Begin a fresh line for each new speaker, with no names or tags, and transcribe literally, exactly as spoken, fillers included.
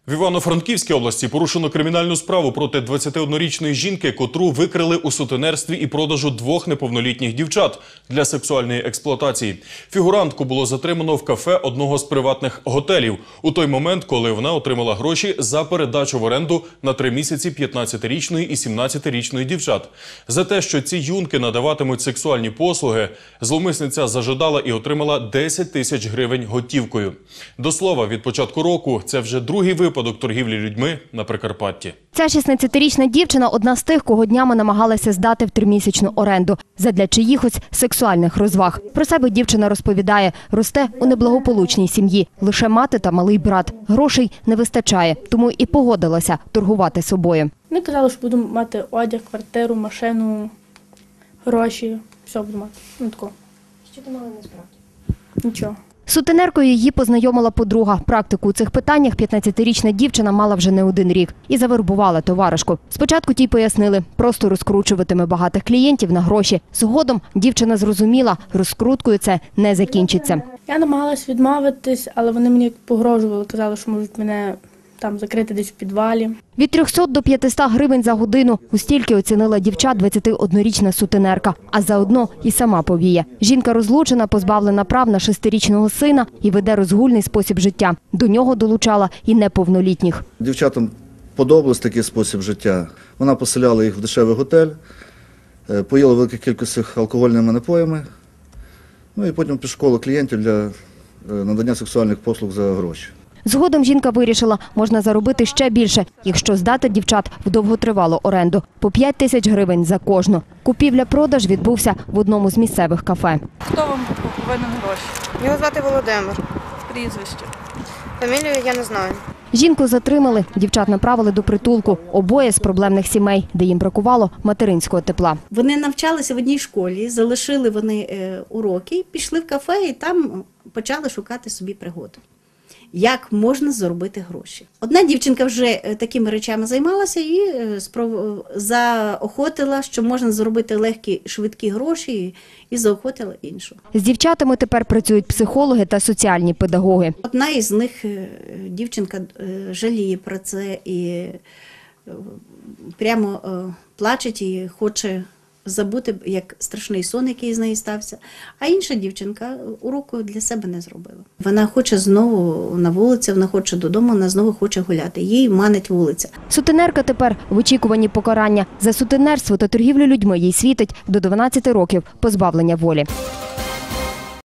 В Івано-Франківській області порушено кримінальну справу проти двадцятиоднорічної жінки, котру викрили у сутенерстві і продажу двох неповнолітніх дівчат для сексуальної експлуатації. Фігурантку було затримано в кафе одного з приватних готелів у той момент, коли вона отримала гроші за передачу в оренду на три місяці п'ятнадцятирічної і сімнадцятирічної дівчат. За те, що ці юнки надаватимуть сексуальні послуги, зловмисниця зажадала і отримала десять тисяч гривень готівкою. До слова, від початку року це вже другий випадок Випадок торгівлі людьми на Прикарпатті.
Ця шістнадцятирічна дівчина – одна з тих, кого днями намагалася здати в тримісячну оренду задля чиїхось сексуальних розваг. Про себе дівчина розповідає, росте у неблагополучній сім'ї. Лише мати та малий брат. Грошей не вистачає, тому і погодилася торгувати собою.
Вони казали, що буду мати одяг, квартиру, машину, гроші. Все буду мати. Ну, тако.
Що ти мала насправді?
Нічого.
З сутенеркою її познайомила подруга. Практику у цих питаннях п'ятнадцятирічна дівчина мала вже не один рік. І завербувала товаришку. Спочатку тій пояснили, просто розкручуватиме багатих клієнтів на гроші. Згодом дівчина зрозуміла, розкруткою це не закінчиться.
Я намагалась відмовитись, але вони мені погрожували, казали, що можуть мене там закрити десь в підвалі.
Від трьохсот до п'ятисот гривень за годину. У стільки оцінила дівчат двадцятиоднорічна сутенерка. А заодно і сама повіє. Жінка розлучена, позбавлена прав на шестирічного сина і веде розгульний спосіб життя. До нього долучала і неповнолітніх.
Дівчатам подобався такий спосіб життя. Вона поселяла їх в дешевий готель, поїла велику кількість алкогольними напоями, ну і потім підшукала клієнтів для надання сексуальних послуг за гроші.
Згодом жінка вирішила, можна заробити ще більше, якщо здати дівчат в довготривалу оренду. По п'ять тисяч гривень за кожну. Купівля-продаж відбувся в одному з місцевих кафе.
Хто вам повинен гроші?
Його звати Володимир.
Прізвище?
Фамілію я не знаю.
Жінку затримали, дівчат направили до притулку. Обоє з проблемних сімей, де їм бракувало материнського тепла.
Вони навчалися в одній школі, залишили вони уроки, пішли в кафе і там почали шукати собі пригоду. Як можна заробити гроші. Одна дівчинка вже такими речами займалася і заохотила, що можна заробити легкі, швидкі гроші, і заохотила іншу.
З дівчатами тепер працюють психологи та соціальні педагоги.
Одна із них, дівчинка, жаліє про це і прямо плаче і хоче забути, як страшний сон, який з нею стався. А інша дівчинка уроку для себе не зробила. Вона хоче знову на вулицю, вона хоче додому, вона знову хоче гуляти. Їй манить вулиця.
Сутенерка тепер в очікуванні покарання. За сутенерство та торгівлю людьми їй світить до дванадцяти років позбавлення волі.